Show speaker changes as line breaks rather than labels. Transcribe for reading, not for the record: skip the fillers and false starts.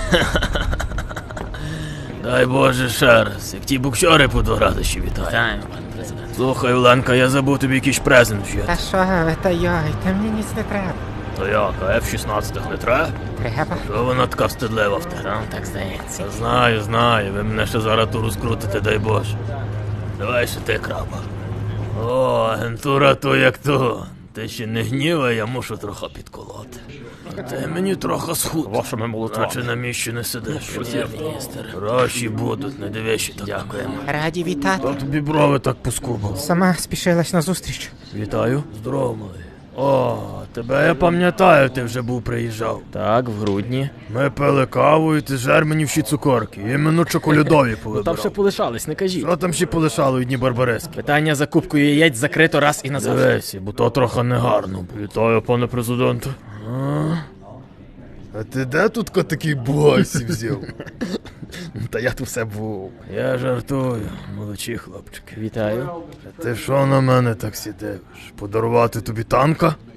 Дай Боже ще раз, як ті буксери по 2 рази ще вітаю.
Вітаємо, пане президент.
Слухай, Оленка, я забув тобі якийсь презент
Та
вжити.
що ви, та йой, та мені ніц не треба.
То як, а F-16 не треба?
Треба?
Що вона така встидлива в тебе?
Вам так здається.
Та знаю, ви мене ще зараз ту розкрутите, дай Боже. Давай ще ти, краба. О, агентура то як то. Ти ще не гнівай, я мушу трохи підколоти. А ти мені трохи схуд.
Вашими молотвами.
Наче на місці не сидиш.
Прем'єр-міністр.
Гроші будуть, не дивишся так.
Дякуємо.
Раді вітати.
Та тобі брови так поскубав.
Сама спішилась на зустріч.
Вітаю. Здорово, малий. О, тебе я пам'ятаю, ти вже був приїжджав.
Так, в грудні.
Ми пили каву і ти жер мені всі цукорки. Іменно чоколядові
Там
повибирав.
ще полишались, не кажіть.
Що там ще полишало одні барбарески?
Питання за кубкою яєць закрито раз і назавжди.
Дивися, бо то трохи негарно. Вітаю, пане президенте. А ти де тут такий бойсі взяв?
Та я тут все був.
Я жартую, молодші хлопчики.
Вітаю.
Ти що на мене так сидиш? Подарувати тобі танка?